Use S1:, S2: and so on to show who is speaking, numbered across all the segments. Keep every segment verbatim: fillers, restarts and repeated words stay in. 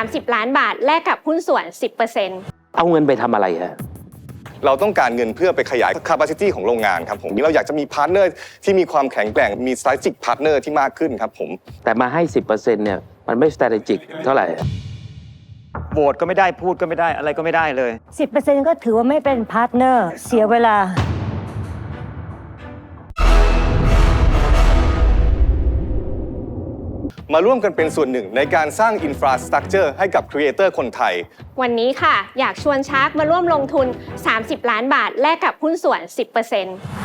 S1: ามสิบล้านบาทแลกกับหุ้นส่วน สิบเปอร์เซ็นต์
S2: เอาเงินไปทำอะไรฮะ
S3: เราต้องการเงินเพื่อไปขยาย capacity ของโรงงานครับผมเราอยากจะมีพาร์ทเนอร์ที่มีความแข็งแกร่งมี strategic partner ที่มากขึ้นครับผม
S2: แต่มาให้ สิบเปอร์เซ็นต์ เนี่ยมันไม่ strategic เท่าไหร่
S4: โหวตก็ไม่ได้พูดก็ไม่ได้อะไรก็ไม่ได้เลย
S5: สิบเปอร์เซ็นต์ ก็ถือว่าไม่เป็นพาร์ทเนอร์เสียเวลา
S3: มาร่วมกันเป็นส่วนหนึ่งในการสร้าง infrastructure ให้กับ creator คนไทย
S1: วันนี้ค่ะอยากชวนชาร์กมาร่วมลงทุนสามสิบล้านบาทแลกกับหุ้นส่วน สิบเปอร์เซ็นต์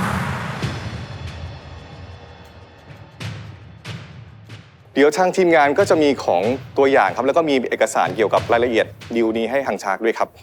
S3: เดี๋ยวทางทีมงานก็จะมีของตัวอย่างครับแล้วก็มีเอกสารเกี่ยวกับรายละเอียดดีลนี้ให้ทางชาร์กด้วยครับ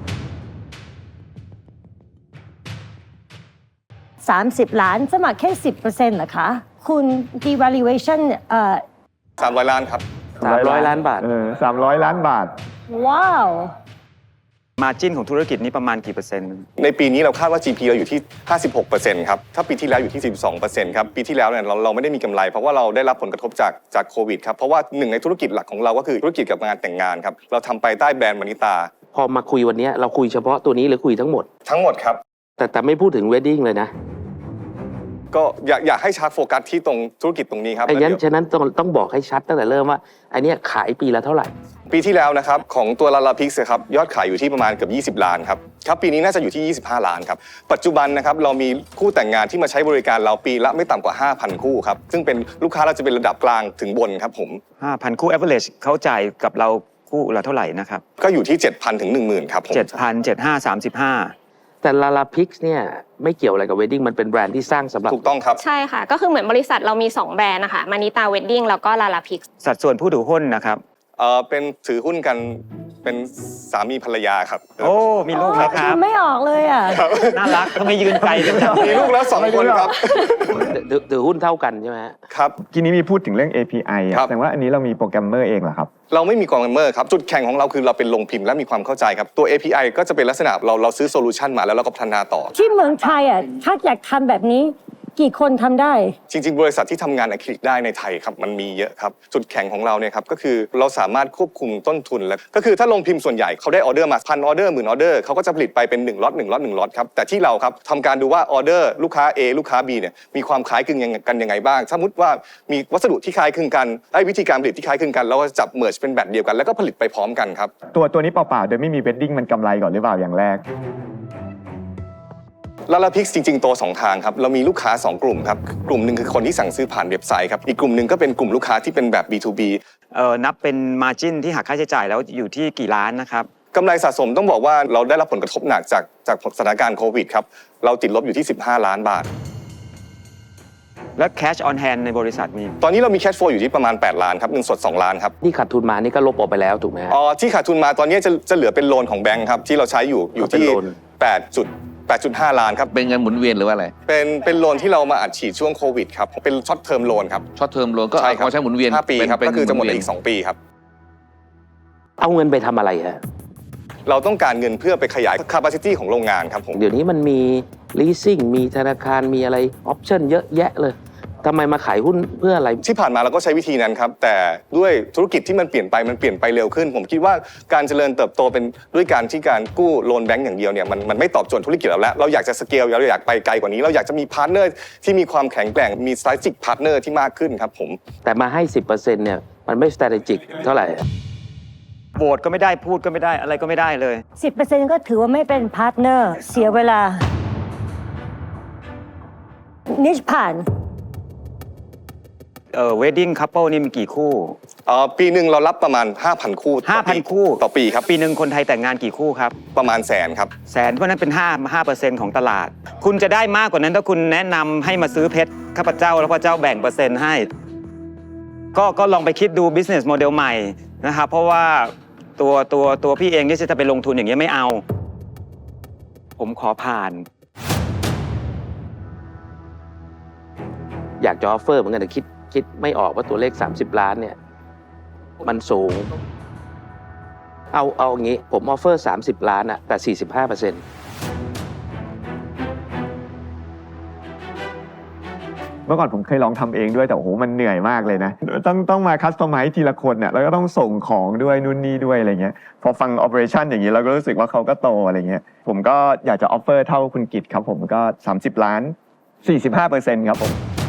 S5: สามสิบล้านสมัครแค่ สิบเปอร์เซ็นต์ เหรอคะคุณ devaluation เอ่อ
S3: สามร้อยล้านครับ
S2: สามร้อยล้านบาท
S6: เออสามร้อยล้านบาท
S5: ว้าว
S4: มาจิ้นของธุรกิจนี้ประมาณกี่เปอร์เซ็นต์
S3: ในปีนี้เราคาดว่า จี พี เราอยู่ที่ ห้าสิบหกเปอร์เซ็นต์ ครับถ้าปีที่แล้วอยู่ที่ สิบสองเปอร์เซ็นต์ ครับปีที่แล้วเนี่ยเราเราไม่ได้มีกำไรเพราะว่าเราได้รับผลกระทบจากจากโควิดครับเพราะว่าหนึ่งในธุรกิจหลักของเราก็คือธุรกิจกับงานแต่งงานครับเราทำไปใต้แบรนด์มานิตา
S2: พอมาคุยวันนี้เราคุยเฉพาะตัวนี้หรือคุยทั้งหมด
S3: ทั้งหมดครับ
S2: แต่แต่ไม่พูดถึง wedding เลยนะ
S3: ก็อยากอยากให้ชาร์กโฟกัสที่ตรงธุรกิจตรงนี้ครับ
S2: ไอ้งั้นฉะนั้นต้องต้องบอกให้ชัดตั้งแต่เริ่มว่าไอ้นี่ขายปีละเท่าไหร่
S3: ปีที่แล้วนะครับของตัวลาลาพิกส์ครับยอดขายอยู่ที่ประมาณเกือบยี่สิบล้านครับครับปีนี้น่าจะอยู่ที่ยี่สิบห้าล้านครับปัจจุบันนะครับเรามีคู่แต่งงานที่มาใช้บริการเราปีละไม่ต่ำกว่า ห้าพัน คู่ครับซึ่งเป็นลูกค้าเราจะเป็นระดับกลางถึงบนครับผม
S4: ห้าพัน คู่ average เขาจ่ายกับเราคู่ละเท่าไหร่นะครับ
S3: ก็อยู่ที่ เจ็ดพัน ถึง หนึ่งหมื่น ครับผม
S4: เจ็ดพัน เจ็ดพันห้าร้อยสามสิบห้า
S2: แต่ลาลาพิกส์เนี่ยไม่เกี่ยวอะไรกับ wedding มันเป็นแบรนด์ที่สร้างสำหรับ
S3: ถูกต้องครับ
S1: ใช่ค่ะก็คือเหมือนบริษัทเรามีสองแบรนด์นะคะมานิตา wedding แล้วก็ลาลาพิกส์
S4: สัดส่วนผู้ถือหุ้นนะครับ
S3: เออเป็นถือหุ้นกันเป็นสามีภรรยาครับ
S4: โอ้มีลูกแล้วครับ
S5: ไม่ออกเลยอ่ะ
S4: น่ารักทำไมยืนไกลกันจัง
S3: มีลูกแล้วสองคนครับ
S2: ถือหุ้นเท่ากันใช่ไหม
S3: ครับ
S6: ทีนี้มีพูดถึงเรื่อง เอ พี ไอ แสดงว่าอันนี้เรามีโปรแกรมเมอร์เองเหรอครับ
S3: เราไม่มีโปรแกรมเมอร์ครับจุดแข่งของเราคือเราเป็นโรงพิมพ์และมีความเข้าใจครับตัว เอ พี ไอ ก็จะเป็นลักษณะเราเราซื้อโซลูชันมาแล้วเราก็พัฒนาต่อ
S5: ที่เมืองไทยอ่ะถ้าอยากทำแบบนี้กี่คนทำได้
S3: จริงๆบริษัทที่ทำงานอะคริลิกได้ในไทยครับมันมีเยอะครับจุดแข็งของเราเนี่ยครับก็คือเราสามารถควบคุมต้นทุนและก็คือถ้าโรงพิมพ์ส่วนใหญ่เขาได้ออเดอร์มาพันออเดอร์หมื่นออเดอร์เขาก็จะผลิตไปเป็นหนึ่งล็อตหนึ่งล็อตหนึ่งล็อตครับแต่ที่เราครับทำการดูว่าออเดอร์ลูกค้า A ลูกค้า B เนี่ยมีความคล้ายคลึงกันยังไงบ้างสมมติว่ามีวัสดุที่คล้ายคลึงกันไอ้วิธีการผลิตที่คล้ายคลึงกันเราก็จับเมิร์จเป็นแบบเดียวกันแล้วก็ผลิตไปพร้อมกันครับ
S6: ตัวตัวนี้เปล่าๆโดยไม่มีเวดดิ้งมันกำไรก่อนหรือเปล่าอย่างแรก
S3: ลาลาพิกส์จริงๆโตสองทางครับเรามีลูกค้าสองกลุ่มครับกลุ่มหนึ่งคือคนที่สั่งซื้อผ่านเว็บไซต์ครับอีกกลุ่มหนึ่งก็เป็นกลุ่มลูกค้าที่เป็นแบบ บี ทู บี
S4: เอ่อนับเป็น margin ที่หักค่าใช้จ่ายแล้วอยู่ที่กี่ล้านนะครับ
S3: กำไรสะสมต้องบอกว่าเราได้รับผลกระทบหนักจากจากสถานการณ์โควิดครับเราติดลบอยู่ที่สิบห้าล้านบาท
S4: และ cash on hand ในบริษัทมี
S3: ตอนนี้เรามี cash flow อยู่ที่ประมาณแปดล้านครับเงินสดสองล้านครับ
S2: ที่ขาดทุนมานี่ก็ลบออกไปแล้วถูกไหม
S3: อ๋อที่ขาดทุนมาตอนนี้จะจะเหลือเป็นโลนของแบงค์ครับที่เราใช้อยู่อยู่ที่แปดจุดแปดจุดห้า ล้านครับ
S7: เป็นเงินหมุนเวียนหรือว่าอะไร
S3: เป็นเป็นโลนที่เรามาอัดฉีดช่วงโควิดครับเป็นช็อตเทอมโลนครับ
S7: ช็อตเทอมโลนก็เอาใช้หมุนเวียน
S3: ห้าปีครับก็คือจะหมดอีกสองปีครับ
S2: เอาเงินไปทำอะไรฮะ
S3: เราต้องการเงินเพื่อไปขยาย capacity ของโรงงานครับผม
S2: เดี๋ยวนี้มันมี leasing มีธนาคารมีอะไร option เยอะแยะเลยทำไมมาขายหุ้นเพื่ออะไร
S3: ที่ผ่านมาเราก็ใช้วิธีนั้นครับแต่ด้วยธุรกิจที่มันเปลี่ยนไปมันเปลี่ยนไปเร็วขึ้นผมคิดว่าการเจริญเติบโตเป็นด้วยการที่การกู้โลนแบงก์อย่างเดียวเนี่ยมันมันไม่ตอบโจทย์ธุรกิจเราแล้วเราอยากจะสเกลเราอยากไปไกลกว่านี้เราอยากจะมีพาร์ทเนอร์ที่มีความแข็งแกร่งมี strategic partner ที่มากขึ้นครับผม
S2: แต่มาให้ สิบเปอร์เซ็นต์ เนี่ยมันไม่ strategic เท่าไหร่
S4: โหวตก็ไม่ได้พูดก็ไม่ได้อะไรก็ไม่ได้เลย
S5: สิบเปอร์เซ็นต์ ก็ถือว่าไม่เป็นพาร์ทเนอร์เสียเวลานิชผ่าน
S4: เอ่อ wedding couple นี่มีกี่คู่
S3: เอ่อปีหนึ่งเรารับประมาณ ห้าพัน คู่
S4: ห้าพัน คู่
S3: ต่อปีครับ
S4: ปีหนึ่งคนไทยแต่งงานกี่คู่ครับ
S3: ประมาณแสนครับ
S4: แสนเพราะนั้นเป็นห้า ห้าเปอร์เซ็นต์ ของตลาดคุณจะได้มากกว่านั้นถ้าคุณแนะนำให้มาซื้อเพชรข้าพเจ้าแล้วพระเจ้าแบ่งเปอร์เซ็นต์ให้ก็ก็ลองไปคิดดู business model ใหม่นะครับเพราะว่าตัวตัวตัวพี่เองนี่จะไปลงทุนอย่างเงี้ยไม่เอาผมขอผ่าน
S2: อยากจะออฟเฟอร์เหมือนกันแต่คิดคิดไม่ออกว่าตัวเลขสามสิบล้านเนี่ยมันสูงเอาเอาอย่างงี้ผมออฟเฟอร์สามสิบล้านอะแต่ สี่สิบห้าเปอร์เซ็นต์
S6: เมื่อก่อนผมเคยลองทำเองด้วยแต่โอ้โหมันเหนื่อยมากเลยนะต้องต้องมาคัสตอมไมซ์ทีละคนเนี่ยแล้วก็ต้องส่งของด้วยนู่นนี่ด้วยอะไรเงี้ยพอฟัง operation อย่างนี้เราก็รู้สึกว่าเขาก็โตอะไรเงี้ยผมก็อยากจะ offer เท่าคุณกิตครับผมก็สามสิบล้าน สี่สิบห้าเปอร์เซ็นต์ ครับผม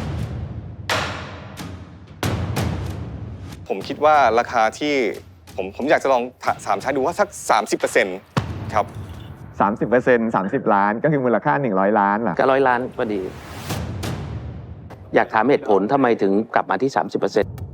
S3: ผมคิดว่าราคาที่ผมผมอยากจะลองถามใช้ดูว่าสัก สามสิบเปอร์เซ็นต์ ครับ
S6: สามสิบเปอร์เซ็นต์ สามสิบล้านก็คือมูลค่าหนึ่งร้อยล้านล่ะ
S2: ก็ร้อยล้านพอดี อยากถามเหตุผลทำไมถึงกลับมาที่ สามสิบเปอร์เซ็นต์